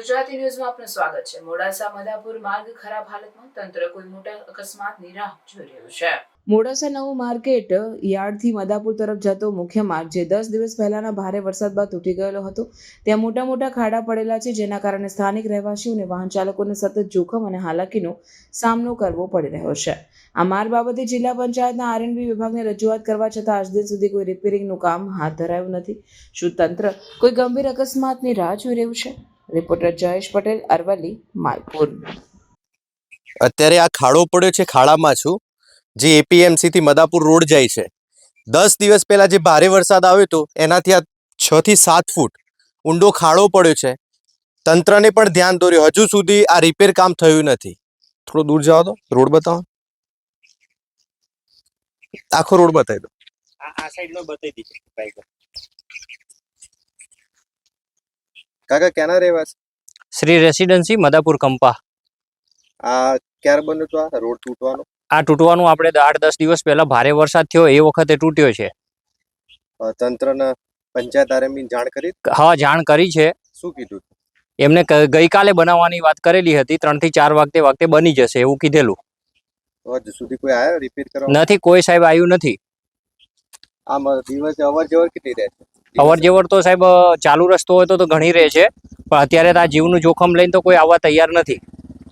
ગુજરાતી ન્યૂઝમાં આપનું સ્વાગત છે। મોડાસા મદાપુર માર્ગ ખરાબ હાલતમાં, તંત્ર કોઈ મોટા અકસ્માતની રાહ જોઈ રહ્યું છે। મોડાસા નવું માર્કેટ યાર્ડથી મદાપુર તરફ જતો મુખ્ય માર્ગ જે 10 દિવસ પહેલાના ભારે વરસાદ બાદ તૂટી ગયેલો હતો, ત્યાં મોટા મોટા ખાડા પડેલા છે, જેના કારણે સ્થાનિક રહેવાસીઓ અને વાહન ચાલકોને સતત જોખમ અને હાલાકીનો સામનો કરવો પડી રહ્યો છે। આ માર્ગ બાબતે જિલ્લા પંચાયતના આરએનબી વિભાગને રજૂઆત કરવા છતાં આજ દિન સુધી કોઈ રિપેરિંગનું કામ હાથ ધરાયું નથી। શું તંત્ર કોઈ ગંભીર અકસ્માતની રાહ જોઈ રહ્યું છે? રિપોર્ટર જયેશ પટેલ, અરવલ્લી, માલપુર। અત્યારે આ ખાડો પડ્યો છે, ખાડામાં છું, જે એપીએમસી થી મદાપુર રોડ જાય છે। 10 દિવસ પહેલા જે ભારે વરસાદ આવ્યો હતો એનાથી આ 6 થી 7 ફૂટ ઊંડો ખાડો પડ્યો છે। તંત્રને પણ ધ્યાન દોર્યું, હજુ સુધી આ રિપેર કામ થયું નથી। થોડો દૂર જાઓ તો રોડ બતાવો, આખો રોડ બતાવી દો। આ સાઈડમાં બતાવી દીધી બાઈક। કાકા ક્યાંના રહેવાસી? શ્રી રેસિડેન્સી મદાપુર કંપા। આ ક્યારે બન્યો તો આ રોડ તૂટવાનો? આ તૂટવાનું આપણે 8-10 દિવસ પહેલા ભારે વરસાદ થયો એ વખતે તૂટ્યો છે। તંત્રને પંચાયત આરએમબી જાણ કરી? હા, જાણ કરી છે। શું કીધું? એમને ગઈકાલે બનાવવાની વાત કરેલી હતી, 3 થી 4 વાગે બની જશે એવું કીધેલું। હજુ સુધી કોઈ આવ્યો રિપેર કરવા? નથી, કોઈ સાહેબ આવ્યું નથી। આમ દિવસે અવર જવર કેટલી રહે છે? અવર જવર તો સાહેબ ચાલુ રસ્તો હોય તો ઘણી રહે છે, પણ અત્યારે તો આ જીવનું જોખમ લઈને તો કોઈ આવવા તૈયાર નથી।